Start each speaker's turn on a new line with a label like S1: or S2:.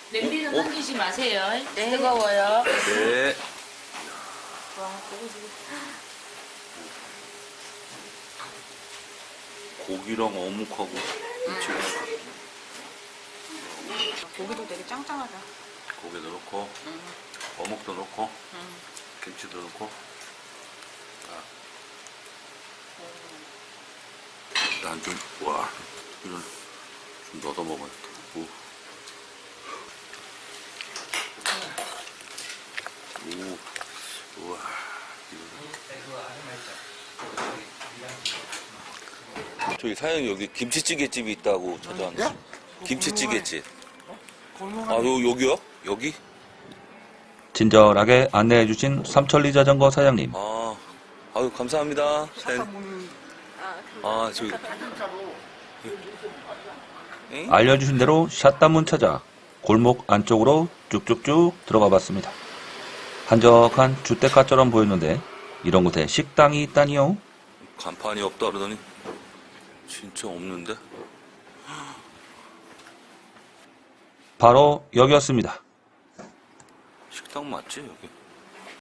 S1: 냄비는 넘기지 마세요. 네. 뜨거워요.
S2: 네. 고기랑 어묵하고 김치랑
S3: 고기도 되게 짱짱하다.
S2: 고기도 넣고 어묵도 넣고 김치도 넣고 일단 좀 와 이건 좀 넣어 먹어야겠다. 오. 오. 우와 저기 사장님 여기 김치찌개집이 있다고 찾아왔는데. 김치찌개집. 아, 여기요? 여기?
S4: 친절하게 안내해주신 삼천리 자전거 사장님.
S2: 아, 아유, 감사합니다. 아, 저기. 엥?
S4: 알려주신 대로 샷단문 찾아 골목 안쪽으로 쭉쭉쭉 들어가 봤습니다. 한적한 주택가처럼 보였는데 이런 곳에 식당이 있다니요?
S2: 간판이 없다 그러더니 진짜 없는데?
S4: 바로 여기였습니다.
S2: 식당 맞지, 여기?